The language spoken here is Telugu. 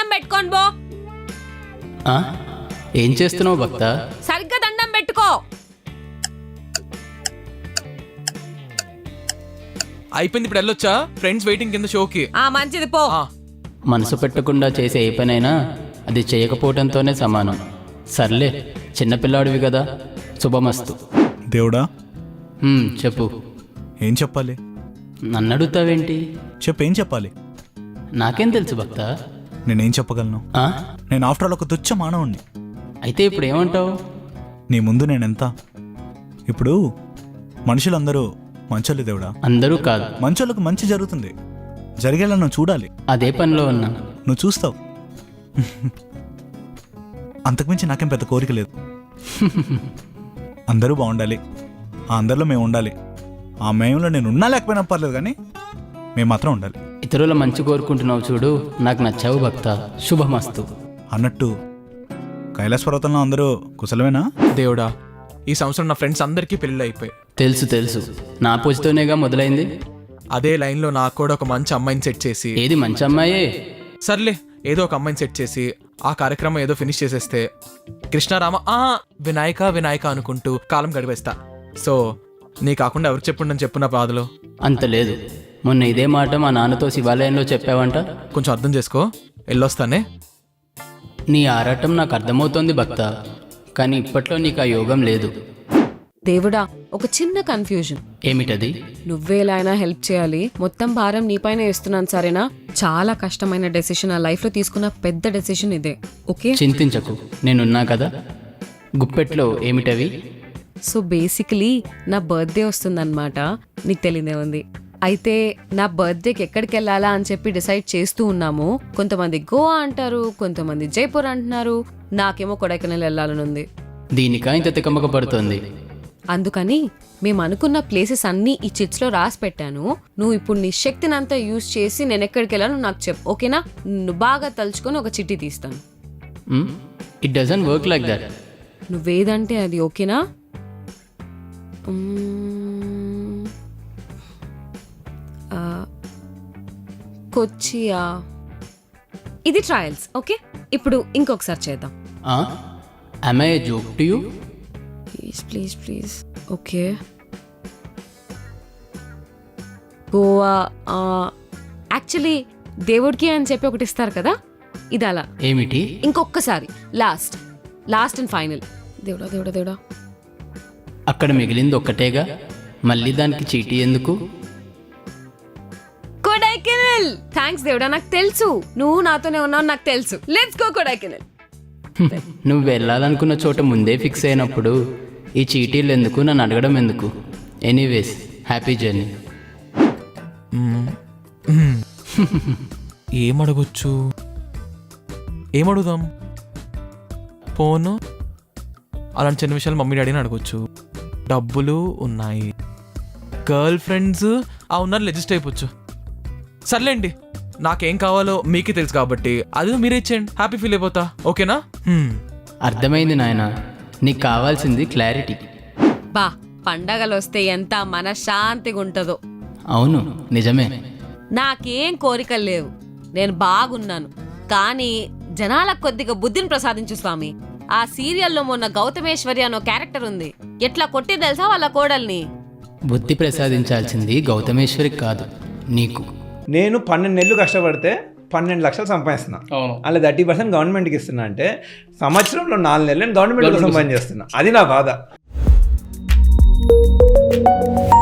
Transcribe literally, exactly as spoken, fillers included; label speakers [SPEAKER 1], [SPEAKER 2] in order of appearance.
[SPEAKER 1] దండం పెట్టుకోను బో.
[SPEAKER 2] ఆ? ఏం చేస్తున్నావు భక్త?
[SPEAKER 1] సరిగ్గా దండం పెట్టుకో.
[SPEAKER 3] అయిపోయింది, ఇప్పుడు వెళ్ళొచ్చా? ఫ్రెండ్స్ వెయిటింగ్ కింద షోకి.
[SPEAKER 1] ఆ మంచిది పో.
[SPEAKER 2] మనసు పెట్టకుండా చేసే ఏ పనైనా అది చేయకపోవడంతోనే సమానం. సర్లే, చిన్నపిల్లాడివి కదా, శుభమస్తు.
[SPEAKER 4] దేవుడా,
[SPEAKER 2] హ్మ్, చెప్పు.
[SPEAKER 4] ఏం చెప్పాలి?
[SPEAKER 2] నన్ను అడుగుతావేంటి?
[SPEAKER 4] చెప్పేం చెప్పాలి?
[SPEAKER 2] నాకేం తెలుసు భక్త.
[SPEAKER 4] నేనేం చెప్పగలను?
[SPEAKER 2] ఆ?
[SPEAKER 4] నేను ఆఫ్టర్ ఆల్ ఒక తుచ్చ మానవుణ్ణి.
[SPEAKER 2] అయితే ఇప్పుడు ఏమంటావు?
[SPEAKER 4] నీ ముందు నేనెంత? ఇప్పుడు మనుషులందరూ మంచోళ్ళు దేవుడా.
[SPEAKER 2] అందరూ కాదు,
[SPEAKER 4] మంచోళ్ళకు మంచి జరుగుతుంది, జరిగేలా నువ్వు చూడాలి.
[SPEAKER 2] అదే పనిలో ఉన్నా.
[SPEAKER 4] నువ్వు చూస్తావు. అంతకుమించి నాకేం పెద్ద కోరిక లేదు. అందరూ బాగుండాలి, ఆ అందరిలో మేము ఉండాలి. ఆ మేములో నేను ఉన్నా లేకపోయినా పర్లేదు, కానీ మేము మాత్రం ఉండాలి.
[SPEAKER 2] ఇతరుల మంచి కోరుకుంటున్నావు చూడు, నాకు నచ్చావు భక్త. శుభమస్తు.
[SPEAKER 4] అన్నట్టు కైలాస పర్వతంలో అందరూ కుశలమేనా?
[SPEAKER 3] దేవుడా, ఈ సంవత్సరం నా ఫ్రెండ్స్ అందరికీ పెళ్ళి అయిపోయాయి.
[SPEAKER 2] తెలుసు తెలుసు, నా పూజతోనేగా మొదలైంది.
[SPEAKER 3] అదే లైన్లో నాకు కూడా ఒక మంచి అమ్మాయిని సెట్ చేసి.
[SPEAKER 2] ఏది మంచి అమ్మాయే?
[SPEAKER 3] సర్లే, ఏదో ఒక అమ్మాయిని సెట్ చేసి ఆ కార్యక్రమం ఏదో ఫినిష్ చేసేస్తే కృష్ణారామ ఆ వినాయక వినాయక అనుకుంటూ కాలం గడిపేస్తా. సో నీ కాకుండా ఎవరు చెప్పుండని చెప్పు నా బాధలో.
[SPEAKER 2] అంత లేదు. మొన్న ఇదే మాట మా నాన్నతో శివాలయంలో చెప్పావంట.
[SPEAKER 3] కొంచెం అర్థం చేసుకో, వెళ్ళొస్తానే.
[SPEAKER 2] నీ ఆరాటం నాకు అర్థమవుతోంది భక్త, కానీ ఇప్పట్లో నీకు ఆ యోగం లేదు.
[SPEAKER 1] దేవుడా, ఒక చిన్న కన్ఫ్యూజన్.
[SPEAKER 2] ఏమిటది?
[SPEAKER 1] నువ్వే ఎలా అయినా హెల్ప్ చేయాలి. మొత్తం భారం నీపైన వేస్తున్నాను, సరేనా? చాలా కష్టమైన డెసిషన్, ఆ లైఫ్ లో తీసుకున్న పెద్ద డెసిషన్ ఇదే. ఓకే,
[SPEAKER 2] చింతించకు, నేనున్నా కదా. గుప్పెట్లో ఏమిటవి?
[SPEAKER 1] సో బేసికలీ నా బర్త్డే వస్తుందన్నమాట. నీకు తెలియదే ఉంది. అయితే నా బర్త్డేకి ఎక్కడికి వెళ్ళాలా అని చెప్పి డిసైడ్ చేస్తూ ఉన్నాము. కొంతమంది గోవా అంటారు, కొంతమంది జైపూర్ అంటున్నారు. నాకేమో కొడైకెనాల్ వెళ్ళాలని ఉంది.
[SPEAKER 2] దీనికా ఇంత తికమక పడుతోంది?
[SPEAKER 1] అందుకని మేము అనుకున్న ప్లేసెస్ అన్నీ ఈ చిట్స్ లో రాసి పెట్టాను. నువ్వు ఇప్పుడు నీ శక్తిని అంతా యూజ్ చేసి నేను ఎక్కడికి వెళ్ళాలో నాకు చెప్పు, ఓకేనా? నువ్వు బాగా తలుచుకొని ఒక చిట్టి తీస్తాను.
[SPEAKER 2] It doesn't work like that.
[SPEAKER 1] నువ్వేదంటే అది, ఓకేనా? మ్మ్. ఆ, కొచ్చియా. ఇది ట్రయల్స్, ఓకే? ఇప్పుడు ఇంకొకసారి చేద్దాం.
[SPEAKER 2] am I a joke to you?
[SPEAKER 1] Please please please. Okay, Goa. Actually దేవుడికి అని చెప్పి ఒకటి ఇస్తారు కదా, ఇది అలా.
[SPEAKER 2] ఏమిటి?
[SPEAKER 1] ఇంకొకసారి, లాస్ట్ లాస్ట్ అండ్ ఫైనల్. దేవుడా దేవుడా దేవుడా.
[SPEAKER 2] అక్కడ మిగిలింది ఒక్కటేగా, మళ్ళీ దానికి చీటీ ఎందుకు?
[SPEAKER 1] కొడైకెనాల్. థ్యాంక్స్ దేవుడా, నాకు తెలుసు నువ్వు నాతోనే ఉన్నావు, నాకు తెలుసు. Let's go Kodaikanal.
[SPEAKER 2] నువ్వు వెళ్ళాలనుకున్న చోట ముందే ఫిక్స్ అయినప్పుడు ఈ చీటీలు ఎందుకు, నన్ను అడగడం ఎందుకు? Anyways, happy journey.
[SPEAKER 3] ఏమడగొచ్చు? ఏమడుగుదాం? ఫోను, అలాంటి చిన్న విషయాలు మమ్మీ డాడీని అడగొచ్చు. డబ్బులు ఉన్నాయి, గర్ల్ ఫ్రెండ్స్ ఆ ఉన్నారు, అడ్జస్ట్ అయిపోవచ్చు. సర్లేండి, నాకేం కావాలో మీకే తెలుసు కాబట్టి అది మీరే ఇచ్చేయండి, హ్యాపీ ఫీల్ అయిపోతా. ఓకేనా?
[SPEAKER 2] అర్థమైంది నాయన, నీకు కావాల్సింది క్లారిటీ.
[SPEAKER 1] బా, పండగలు వస్తే ఎంత మనశ్శాంతిగా ఉంటుందో.
[SPEAKER 2] అవును, నిజమే.
[SPEAKER 1] నాకేం కోరికలు లేవు, నేను బాగున్నాను. కానీ జనాలకు కొద్దిగా బుద్ధిని ప్రసాదించు స్వామి. ఆ సీరియల్లో మొన్న గౌతమేశ్వరి అనో క్యారెక్టర్ ఉంది, ఎట్లా కొట్టి తెలుసా వాళ్ళ కోడల్ని.
[SPEAKER 2] బుద్ధి ప్రసాదించాల్సింది గౌతమేశ్వరికి కాదు, నీకు.
[SPEAKER 5] నేను పన్నెండు నెలలు కష్టపడితే పన్నెండు లక్షలు సంపాదిస్తున్నా, అలా థర్టీ పర్సెంట్ గవర్నమెంట్కి ఇస్తున్నా. అంటే సంవత్సరంలో నాలుగు నెలలు నేను గవర్నమెంట్ కోసం సంపాదించేస్తున్నా. అది నా బాధ.